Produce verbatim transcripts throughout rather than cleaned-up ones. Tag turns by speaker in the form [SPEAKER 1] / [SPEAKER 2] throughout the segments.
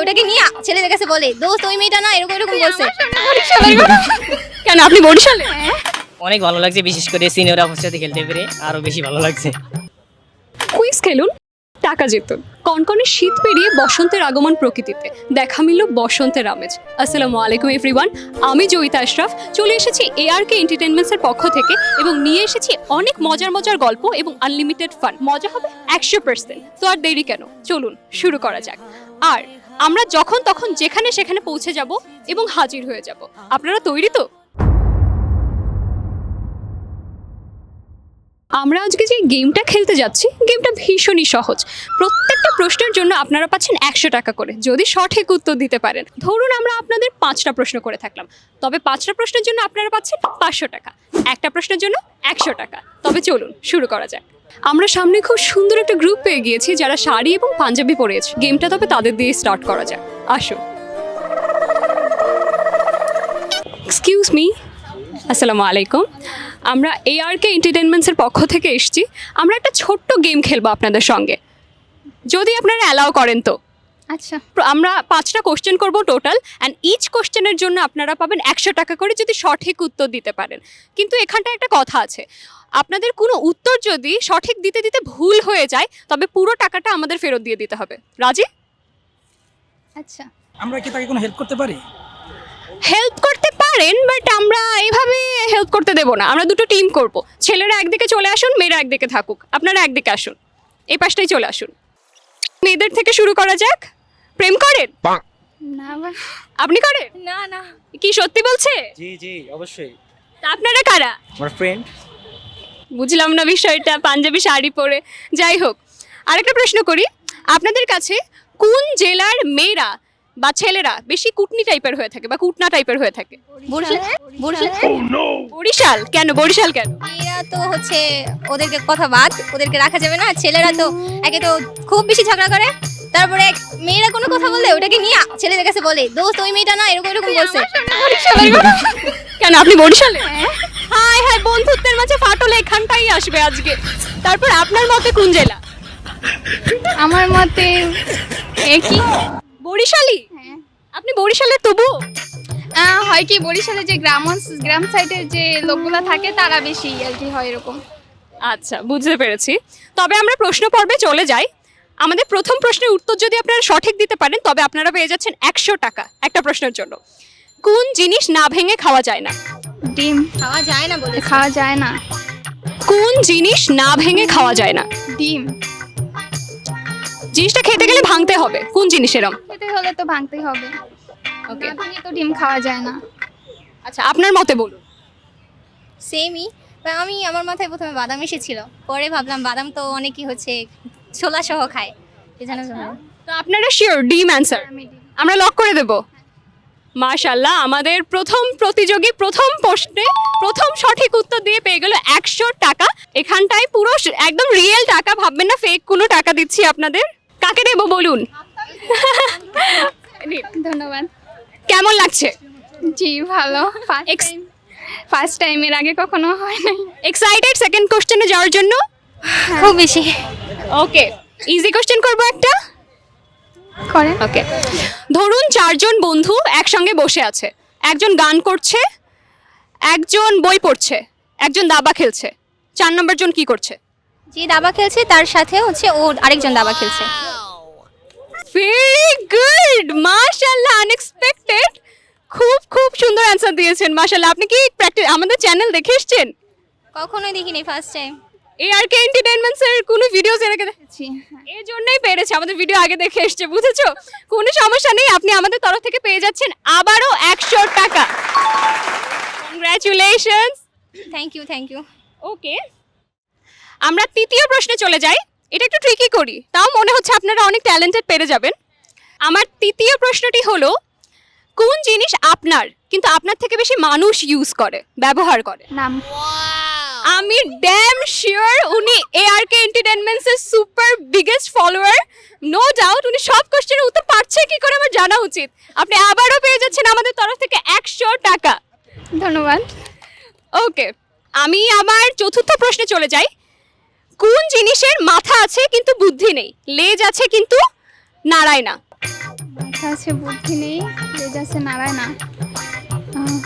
[SPEAKER 1] ওটাকে নিয়ে ছেলেদের কাছে বলে দোস্ত ওই মেয়েটা না এরকম এরকম বলছে।
[SPEAKER 2] কেন আপনি বরিশালে?
[SPEAKER 3] অনেক ভালো লাগছে, বিশেষ করে সিনিয়র আপুর সাথে খেলতে পেরে আরো বেশি ভালো লাগছে।
[SPEAKER 2] কুইজ খেলুন, টাকা জিতুন। কনকনে শীত পেরিয়ে বসন্তের আগমন প্রকৃতিতে, দেখা মিলল বসন্তের আমেজ। আসসালামু আলাইকুম এভরিওয়ান, আমি জয়িতা আশরাফ চলে এসেছি এআরকে এন্টারটেইনমেন্টসের পক্ষ থেকে এবং নিয়ে এসেছি অনেক মজার মজার গল্প এবং আনলিমিটেড ফান। মজা হবে একশো পার্সেন্ট। তো আর দেরি কেন, চলুন শুরু করা যাক। আর আমরা যখন তখন যেখানে সেখানে পৌঁছে যাব এবং হাজির হয়ে যাব। আপনারা তৈরি তো? আমরা আজকে যে গেমটা খেলতে যাচ্ছি, গেমটা ভীষণই সহজ। প্রত্যেকটা প্রশ্নের জন্য আপনারা পাচ্ছেন একশো টাকা করে যদি সঠিক উত্তর দিতে পারেন। ধরুন আমরা আপনাদের পাঁচটা প্রশ্ন করে থাকলাম, তবে পাঁচটা প্রশ্নের জন্য আপনারা পাচ্ছেন পাঁচশো টাকা, একটা প্রশ্নের জন্য একশো টাকা। তবে চলুন শুরু করা যাক। আমরা সামনে খুব সুন্দর একটা গ্রুপ পেয়ে গিয়েছি যারা শাড়ি এবং পাঞ্জাবি পরেছে। গেমটা তবে তাদের দিয়ে স্টার্ট করা যাক, আসুন। এক্সকিউজ মি, আসসালামু আলাইকুম। আমরা এআরকে এন্টারটেইনমেন্টসের পক্ষ থেকে এসেছি। আমরা একটা ছোট্ট গেম খেলবো আপনাদের সঙ্গে, যদি আপনারা অ্যালাউ করেন তো।
[SPEAKER 1] আচ্ছা,
[SPEAKER 2] আমরা পাঁচটা কোশ্চেন করব টোটাল, অ্যান্ড ইচ কোশ্চেনের জন্য আপনারা পাবেন একশো টাকা করে যদি সঠিক উত্তর দিতে পারেন। কিন্তু এখানটা একটা কথা আছে, আপনাদের কোনো উত্তর যদি সঠিক দিতে দিতে ভুল হয়ে যায় তবে পুরো টাকাটা আমাদের ফেরত দিয়ে দিতে হবে। রাজি?
[SPEAKER 1] আচ্ছা।
[SPEAKER 4] আমরা কি তাকে কোনো হেল্প করতে পারি?
[SPEAKER 2] হেল্প করতে পারেন, বাট আমরা এইভাবে হেল্প করতে দেবো না। আমরা দুটো টিম করব, ছেলেরা একদিকে চলে আসুন, মেয়েরা একদিকে থাকুক। আপনারা একদিকে আসুন, এই পাশটাই চলে আসুন। মেয়েদের থেকে শুরু করা যাক। প্রেম করেন?
[SPEAKER 1] না
[SPEAKER 2] আপনি করেন?
[SPEAKER 1] না না
[SPEAKER 2] কি সত্যি বলছে?
[SPEAKER 3] জি জি অবশ্যই।
[SPEAKER 2] তা আপনারা কারা?
[SPEAKER 3] আমার ফ্রেন্ড।
[SPEAKER 2] বুঝলাম না বিষয়টা, পাঞ্জাবি শাড়ি পরে। যাই হোক, আরেকটা প্রশ্ন করি, আপনাদের কাছে কোন জেলার মেয়েরা বা ছেলেরা বেশি কুটনি টাইপের হয়ে থাকে বা কুটনা টাইপের হয়ে থাকে?
[SPEAKER 1] বরিশাল। বরিশাল
[SPEAKER 2] বরিশাল কেন? বরিশাল কেন?
[SPEAKER 1] মেয়েরা তো হচ্ছে ওদেরকে কথা বাদ, ওদেরকে রাখা যাবে না। ছেলেরা তো একে তো খুব বেশি ঝগড়া করে, তারপরে মেয়েরা কোনো কথা বললে ওটাকে নিয়ে ছেলেদের কাছে বলে দোস্ত ওই মেয়েটা না এরকম এরকম বলছে।
[SPEAKER 2] কেন আপনি বরিশালে? হাই হাই, বন্ধুত্বের মাঝে ফাটল এখানটাই আসবে আজকে। তারপর আপনার মতে কোন জেলা?
[SPEAKER 1] আমার মতে একই।
[SPEAKER 2] বরিশালি? আপনি বরিশালের তবু?
[SPEAKER 5] হয় কি বরিশালে যে গ্রাম অঞ্চ- গ্রাম সাইডের যে লোকগুলো থাকে তারা বেশি আর কি হয় এরকম।
[SPEAKER 2] আচ্ছা, বুঝতে পেরেছি। তবে আমরা প্রশ্ন পর্বে চলে যাই। আমাদের প্রথম প্রশ্নের উত্তর যদি আপনারা সঠিক দিতে পারেন তবে আপনারা পেয়ে যাচ্ছেন একশো টাকা একটা প্রশ্নের জন্য। কোন জিনিস না ভেঙে খাওয়া যায় না?
[SPEAKER 5] ডিম
[SPEAKER 1] খাওয়া যায় না বলে
[SPEAKER 5] খাওয়া যায় না।
[SPEAKER 2] কোন জিনিস না ভেঙে খাওয়া যায় না?
[SPEAKER 5] ডিম
[SPEAKER 2] জিনিসটা খেতে গেলে ভাঙতে হবে, কোন জিনিস এরম?
[SPEAKER 5] খেতে হলে তো ভাঙতেই হবে।
[SPEAKER 2] ওকে,
[SPEAKER 5] না ভেঙে তো ডিম খাওয়া যায় না।
[SPEAKER 2] আচ্ছা আপনার মতে বলুন।
[SPEAKER 1] সেমই। আমি আমার মাথায় প্রথমে বাদাম এসেছিল, পরে ভাবলাম বাদাম তো অনেকেই হচ্ছে ছোলা সহ খায়, এই জন্য
[SPEAKER 2] তো আপনারা শিওর ডিম অ্যান্সার?
[SPEAKER 5] আমি ডিম।
[SPEAKER 2] আমরা লক করে দেব। মাশাআল্লাহ, আমাদের প্রথম প্রতিযোগী প্রথম প্রশ্নে প্রথম সঠিক উত্তর দিয়ে পেয়ে গেল একশো টাকা। এখানটায় পুরো স- একদম রিয়েল টাকা, ভাববেন না ফেক কোনো টাকা দিচ্ছি আপনাদের। কাকে দেব বলুন? নিন।
[SPEAKER 5] ধন্যবাদ।
[SPEAKER 2] কেমন লাগছে?
[SPEAKER 5] জি ভালো। First
[SPEAKER 2] Ex-
[SPEAKER 5] time first time এর আগে কখনো হয় নাই।
[SPEAKER 2] এক্সাইটেড সেকেন্ড কোশ্চেনে যাওয়ার জন্য?
[SPEAKER 1] খুব বেশি।
[SPEAKER 2] ওকে, ইজি কোশ্চেন করবো একটা।
[SPEAKER 5] করে
[SPEAKER 2] ওকে, ধরুন চারজন বন্ধু একসঙ্গে বসে আছে, একজন গান করছে, একজন বই পড়ছে, একজন দাবা খেলছে, চার নম্বর জন কি করছে?
[SPEAKER 1] যে দাবা খেলছে তার সাথে হচ্ছে ও আরেকজন দাবা খেলছে।
[SPEAKER 2] ভেরি গুড, মাশাআল্লাহ, আনএক্সপেক্টেড। খুব খুব সুন্দর অ্যান্সার দিয়েছেন, মাশাআল্লাহ। আপনি কি প্র্যাকটিস আমাদের চ্যানেল দেখে এসেছেন?
[SPEAKER 1] কখনোই দেখিনি, ফার্স্ট টাইম।
[SPEAKER 2] এআরকে এন্টারটেইনমেন্টস এর কোনো ভিডিওস এর আগে দে-
[SPEAKER 5] জি
[SPEAKER 2] এই জন্যই পেরেছে, আমাদের ভিডিও আগে দেখে এসছে, বুঝেছো? কোনো সমস্যা নেই, আপনি আমাদের তরফ থেকে পেয়ে যাচ্ছেন আবারও একশো টাকা। Congratulations.
[SPEAKER 1] Thank you thank you.
[SPEAKER 2] Okay, আমরা তৃতীয় প্রশ্নে চলে যাই। এটা একটু ট্রিকি করি, তাও মনে হচ্ছে আপনারা অনেক ট্যালেন্টেড পেরে যাবেন। আমার তৃতীয় প্রশ্নটি হলো, কোন জিনিস আপনার কিন্তু আপনার থেকে বেশি মানুষ ইউজ করে, ব্যবহার করে?
[SPEAKER 5] নাম
[SPEAKER 2] আমি ড্যাম শিওর উনি এআরকে এন্টারটেইনমেন্টস এর super biggest follower. No doubt উনি সব কোশ্চেনের উত্তর পারছে কি করে আমার জানা উচিত। আপনি আবারও পেয়ে যাচ্ছেন আমাদের তরফ থেকে একশো টাকা।
[SPEAKER 5] ধন্যবাদ।
[SPEAKER 2] ওকে, আমি আমার চতুর্থ প্রশ্নে চলে যাই। কোন জিনিসের মাথা আছে কিন্তু বুদ্ধি নেই, লেজ আছে কিন্তু নাড়ায় না?
[SPEAKER 1] মাথা
[SPEAKER 5] মাথা আছে বুদ্ধি নেই, লেজ আছে নাড়ায় না। আহ,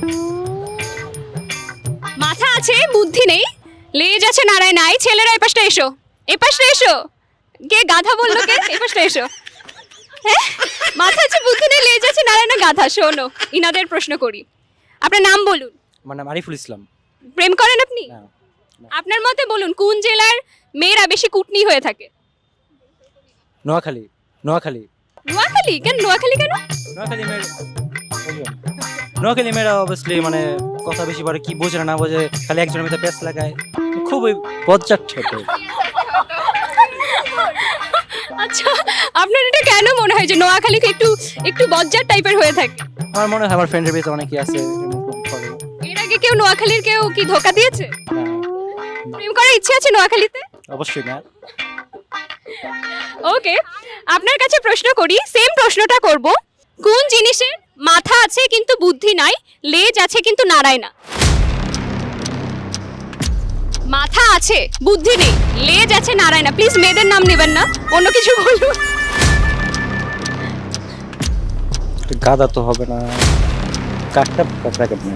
[SPEAKER 2] মাথা আছে বুদ্ধি নেই, লেজ আছে নাড়ায় নাই। ছেলেরা এই পাশটা এসো, এই পাশটা এসো। কে গাধা বললো কে? এই পাশটা এসো। হ্যাঁ, মাথা আছে বুদ্ধি নেই, লেজ আছে নাড়ায় না গাধা। শোনো, ইনাদের প্রশ্ন করি। আপনার নাম বলুন।
[SPEAKER 6] আমার নাম আরিফুল ইসলাম।
[SPEAKER 2] প্রেম করেন আপনি?
[SPEAKER 6] না,
[SPEAKER 2] আপনার মতে বলুন কোন জেলার মেয়েরা বেশি কুটনি হয়ে থাকে?
[SPEAKER 6] নোয়াখালী। নোয়াখালী
[SPEAKER 2] নোয়াখালী? কেন নোয়াখালী কেন?
[SPEAKER 6] নোয়াখালী মেয়ের নোয়াখালী মেয়েরা অবভিয়াসলি মানে কথা বেশি পারে, কি বোঝে না না বোঝে, খালি একজনের মধ্যে প্যাচ লাগায়, খুবই বজ্জাত ছোট।
[SPEAKER 2] আচ্ছা, আপনার এটা কেন মনে হয় যে নোয়াখালী একটু একটু বজ্জার টাইপের হয়ে থাকে?
[SPEAKER 6] আমার মনে হয় আমার ফ্রেন্ডের ভিতরে অনেকেই আছে এরকম করে।
[SPEAKER 2] এর আগে কেউ নোয়াখালীর কেউ কি ধোকা দিয়েছে?
[SPEAKER 6] না,
[SPEAKER 2] প্রেম করার ইচ্ছে আছে নোয়াখালীতে?
[SPEAKER 6] অবশ্যই না।
[SPEAKER 2] ওকে, আপনার কাছে প্রশ্ন করি, সেম প্রশ্নটা করব। কোন জিনিসের মাথা আছে কিন্তু বুদ্ধি নাই, লেজ আছে কিন্তু নাড়ায় না? মাথা আছে বুদ্ধি নেই, লেজ আছে নাড়ায় না। প্লিজ মেয়েদের নাম নেবেন না, অন্য কিছু বলুন।
[SPEAKER 6] গাদা তো হবে না, কাঠটা কাঠটা কেটে।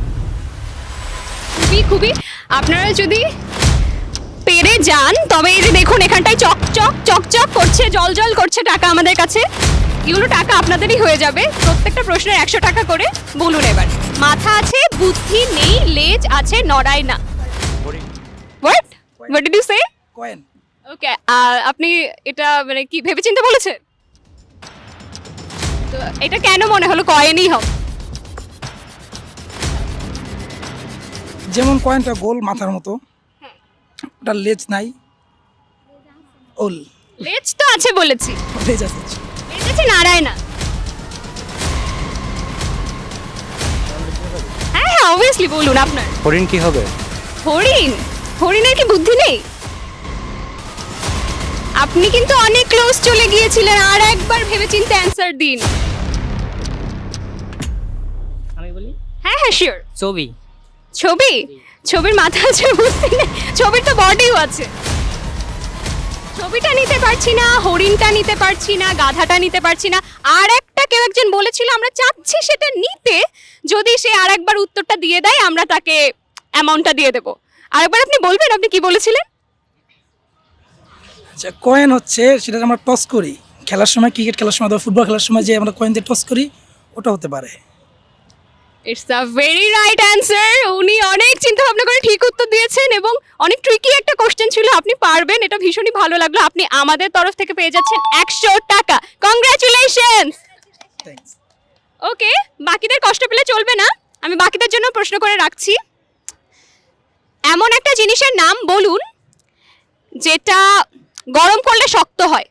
[SPEAKER 2] খুবই খুবই আপনারা যদি পেরে যান তবে এই যে দেখুন এখানটায় চক চক চক চক করছে, জল জল করছে টাকা আমাদের কাছে। এগুলো টাকা আপনাদেরই হয়ে যাবে, প্রত্যেকটা প্রশ্নের একশো টাকা করে। বলুন এবার, মাথা আছে বুদ্ধি নেই, লেজ আছে নড়ায় না। What what did you say?
[SPEAKER 4] Coin.
[SPEAKER 2] Okay, আপনি এটা মানে কি ভেবেচিন্তে বলেছেন? তো এটা কেন মনে হলো কয়েনই হবে?
[SPEAKER 4] যেমন কয়েনটা গোল মাথার মতো, ওটার লেজ নাই। ওল
[SPEAKER 2] লেজ তো আছে বলেছি,
[SPEAKER 4] লেজ আছে।
[SPEAKER 2] লেজ আছে নাড়ায় না। হ্যাঁ হ্যাঁ অবভিয়াসলি বলুন আপনার।
[SPEAKER 6] হরিণ কি হবে?
[SPEAKER 2] হরিণ? হরিণের কি বুদ্ধি নেই? আপনি কিন্তু অনেক ক্লোজ চলে গিয়েছিলেন, আর একবার ভেবেচিন্তে অ্যান্সার দিন।
[SPEAKER 3] আমি বলি
[SPEAKER 2] হ্যাঁ হ্যাঁ শিওর।
[SPEAKER 3] ছবি।
[SPEAKER 2] ছবি? ছবির মাথা আছে বুদ্ধি নেই, ছবির তো বডিও আছে। ছবিটা নিতে পারছি না, হরিণটা নিতে পারছি না, গাধাটা নিতে পারছি না। আর একটা কেউ একজন বলেছিল আমরা চাচ্ছি সেটা নিতে, যদি সে আর একবার উত্তরটা দিয়ে দেয় আমরা তাকে অ্যামাউন্টটা দিয়ে দেবো। আরেকবার আপনি বলবেন আপনি কি বলেছিলেন?
[SPEAKER 4] আচ্ছা, কয়েন হচ্ছে সেটা আমরা টস করি খেলার সময়, ক্রিকেট খেলার সময় অথবা ফুটবল খেলার সময় যে আমরা কয়েন দিয়ে টস করি, ওটা হতে পারে।
[SPEAKER 2] It's the very right answer. উনি অনেক চিন্তা ভাবনা করে ঠিক উত্তর দিয়েছেন এবং অনেক ট্রিকি একটা কোশ্চেন ছিল, আপনি পারবেন, এটা ভীষণই ভালো লাগলো। আপনি আমাদের তরফ থেকে পেয়ে যাচ্ছেন একশো টাকা। কংগ্রাচুলেশনস।
[SPEAKER 4] থ্যাঙ্কস।
[SPEAKER 2] ওকে, বাকিদের কষ্ট পেলে চলবে না, আমি বাকিদের জন্য প্রশ্ন করে রাখছি। এমন একটা জিনিসের নাম বলুন যেটা গরম করলে শক্ত হয়।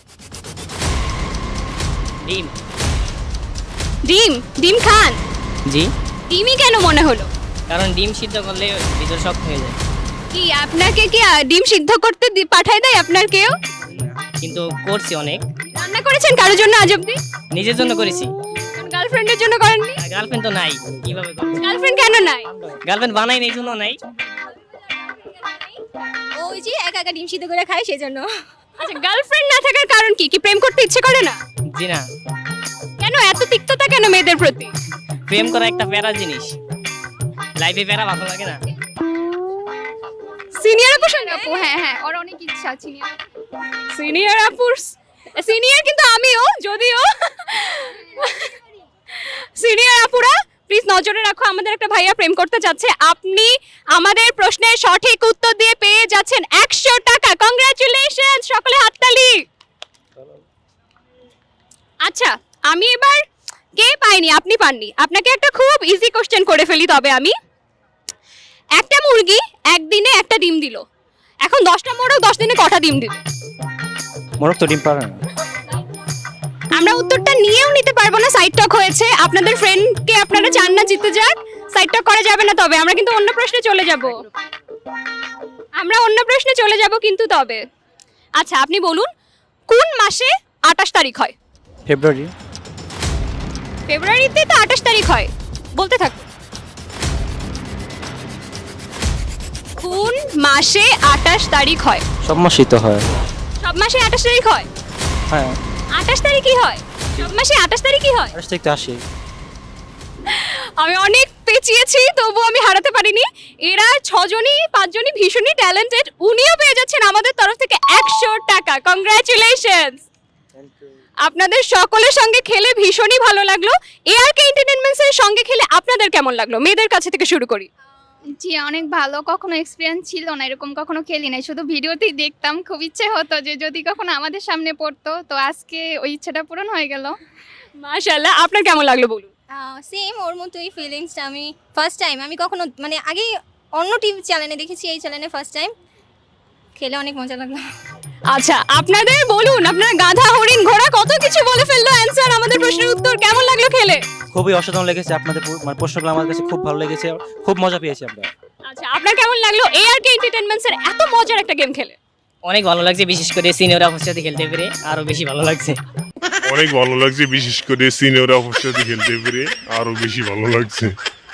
[SPEAKER 3] ডিম।
[SPEAKER 2] ডিম? ডিম খান?
[SPEAKER 3] জি।
[SPEAKER 2] ডিমই কেন মনে হলো?
[SPEAKER 3] কারণ ডিম সিদ্ধ করলে ভিতর শক্ত হয়ে যায়।
[SPEAKER 2] কি আপনাকে কি আহ, ডিম সিদ্ধ করতে দি- পাঠায় দেয় আপনার কেউ?
[SPEAKER 3] কিন্তু করছি অনেক।
[SPEAKER 2] রান্না করেছেন কারোর জন্য আজ অব্দি?
[SPEAKER 3] নিজের জন্য করেছি।
[SPEAKER 2] গার্লফ্রেন্ডের জন্য করেননি?
[SPEAKER 3] গার্লফ্রেন্ড তো নাই, কিভাবে করবো?
[SPEAKER 2] গার্লফ্রেন্ড কেন নাই?
[SPEAKER 3] গার্লফ্রেন্ড বানাই নেই, জন্য নাই।
[SPEAKER 1] ওই যে একা একা ডিম সিদ্ধ করে খায় সেই জন্য।
[SPEAKER 2] আচ্ছা, গার্লফ্রেন্ড না থাকার কারণ কি? কি প্রেম করতে ইচ্ছে করে না?
[SPEAKER 3] জি না,
[SPEAKER 2] কেন এত তিক্ততা কেন মেয়েদের প্রতি?
[SPEAKER 3] প্রেম করা একটা প্যারা জিনিস, লাইফে প্যারা ভালো লাগে না।
[SPEAKER 2] সিনিয়র আপু সঙ্গে
[SPEAKER 5] আপু হ্যাঁ হ্যাঁ, ওর অনেক ইচ্ছা চিনি।
[SPEAKER 2] সিনিয়র আপুর সিনিয়র কিন্তু আমিও, যদিও সিনিয়র আপুরা প্লিজ নজরে রাখো, আমাদের একটা ভাইয়া প্রেম করতে যাচ্ছে। আপনি আমাদের প্রশ্নের সঠিক উত্তর দিয়ে পেয়ে যাচ্ছেন একশো টাকা। কংগ্রাচুলেশন, সকলে হাততালি। আচ্ছা, আমি এবার কে পাইনি, আপনি পাননি, আপনাকে একটা খুব ইজি কোশ্চেন করে ফেলি তবে আমি। একটা মুরগি একদিনে একটা ডিম দিল, এখন দশটা মোরগ দশ দিনে কটা ডিম দিল?
[SPEAKER 6] মোরগ তো ডিম পারে না।
[SPEAKER 2] আমরা উত্তরটা নিয়েও নিতে পারবো না, সাইড টক হয়েছে। আপনাদের ফ্রেন্ডকে আপনারা চান না জিতে যাক, সাইড টক করা যাবে না। তবে আমরা কিন্তু অন্য প্রশ্নে চলে যাব, আমরা অন্য প্রশ্নে চলে যাব কিন্তু তবে। আচ্ছা, আপনি বলুন কোন মাসে আঠাশ তারিখ হয়?
[SPEAKER 6] ফেব্রুয়ারি।
[SPEAKER 2] ফেব্রুয়ারিতে তো আঠাশ তারিখ হয়, বলতে থাকুন। কোন মাসে আঠাশ তারিখ হয়?
[SPEAKER 6] সব মাসই তো হয়।
[SPEAKER 2] সব মাসে আঠাশ তারিখ হয়?
[SPEAKER 6] হ্যাঁ।
[SPEAKER 2] আঠাশ তারিখই হয়? সব মাসে আঠাশ তারিখই হয়।
[SPEAKER 6] আঠাশ তারিখ তো আসে।
[SPEAKER 2] আমি অনেক পেঁচিয়েছি তবু আমি হারাতে পারিনি। এরা ছজনই পাঁচজনই ভীষণই ট্যালেন্টেড। উনিও পেয়ে যাচ্ছেন আমাদের তরফ থেকে একশো টাকা। কংগ্রাচুলেশনস। আপনাদের সকলের সঙ্গে খেলে ভীষণই ভালো লাগলো। এআরকে এন্টারটেইনমেন্টস এর সঙ্গে খেলে আপনাদের কেমন লাগলো? মেয়েদের কাছে থেকে শুরু করি।
[SPEAKER 5] জি অনেক ভালো, কখনো এক্সপিরিয়েন্স ছিল না, এরকম কখনো খেলি নাই, শুধু ভিডিওতেই দেখতাম। খুব ইচ্ছে হতো যে যদি কখনো আমাদের সামনে পড়তো, তো আজকে ওই ইচ্ছাটা পূরণ হয়ে গেল।
[SPEAKER 2] মাশাআল্লাহ। আপনার কেমন লাগলো বলুন?
[SPEAKER 1] সেম ওর মতোই ফিলিংসটা। আমি ফার্স্ট টাইম, আমি কখনো মানে আগেই অন্য টিভি চ্যানেলে দেখেছি, এই চ্যানেলে ফার্স্ট টাইম খেলে অনেক মজা লাগলো।
[SPEAKER 2] আচ্ছা আপনাদের বলুন, আপনারা গাধা হরিণ ঘোড়া কত কিছু বলে ফেললো অ্যানসার আমাদের প্রশ্নের উত্তর। কেমন লাগলো খেলে?
[SPEAKER 6] খুবই অসাধারণ লেগেছে আপনাদের পু- মানে প্রশ্নগুলো আমার কাছে খুব ভালো লেগেছে, খুব মজা পেয়েছি আমরা।
[SPEAKER 2] আচ্ছা আপনার কেমন লাগলো এআরকে এন্টারটেইনমেন্টস এর এত মজার একটা গেম খেলে?
[SPEAKER 3] অনেক ভালো লাগছে, বিশেষ করে সিনিয়র আপুর সাথে খেলতে পেরে আরো বেশি ভালো লাগছে।
[SPEAKER 7] অনেক ভালো লাগছে, বিশেষ করে সিনিয়র আপুর সাথে খেলতে পেরে আরো বেশি ভালো লাগছে।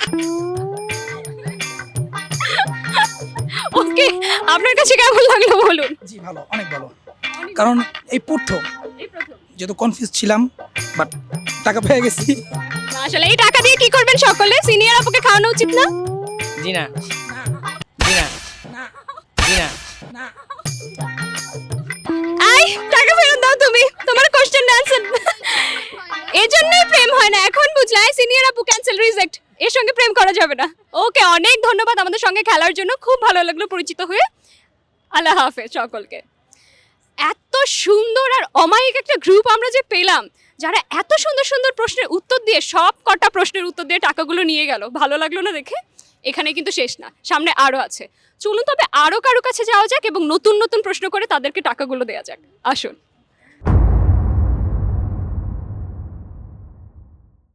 [SPEAKER 2] ওকে, আপনার কাছে কেমন লাগলো বলুন?
[SPEAKER 4] জি ভালো, অনেক ভালো। কারণ এই প্রথম যেহেতু কনফিউজ ছিলাম, বাট টাকা পেয়ে গেছি।
[SPEAKER 2] আসলে এই টাকা দিয়ে কি করবেন সকলে? সিনিয়র আপুকে খাওয়ানো উচিত না?
[SPEAKER 3] জি না, জি না, জি না।
[SPEAKER 2] আই টাকা ফেরত দাও তুমি, তোমার কোশ্চেন আনসার। এই জন্যই প্রেম হয় না, এখন বুঝলাই। সিনিয়র আপু ক্যান্সেল, রিজেক্ট, এর সঙ্গে প্রেম করা যাবে না। ওকে, অনেক ধন্যবাদ আমাদের সঙ্গে খেলার জন্য, খুব ভালো লাগলো পরিচিত হয়ে। আল্লাহ হাফেজ সকলকে। এত সুন্দর আর অমায়িক একটা গ্রুপ আমরা যে পেলাম, যারা এত সুন্দর সুন্দর প্রশ্নের উত্তর দিয়ে সব কটা প্রশ্নের উত্তর দিয়ে টাকাগুলো নিয়ে গেল। ভালো লাগলো না দেখে? এখানে কিন্তু শেষ না, সামনে আরও আছে। চলুন তবে আরও কারো কাছে যাওয়া যাক এবং নতুন নতুন প্রশ্ন করে তাদেরকে টাকাগুলো দেওয়া যাক। আসুন।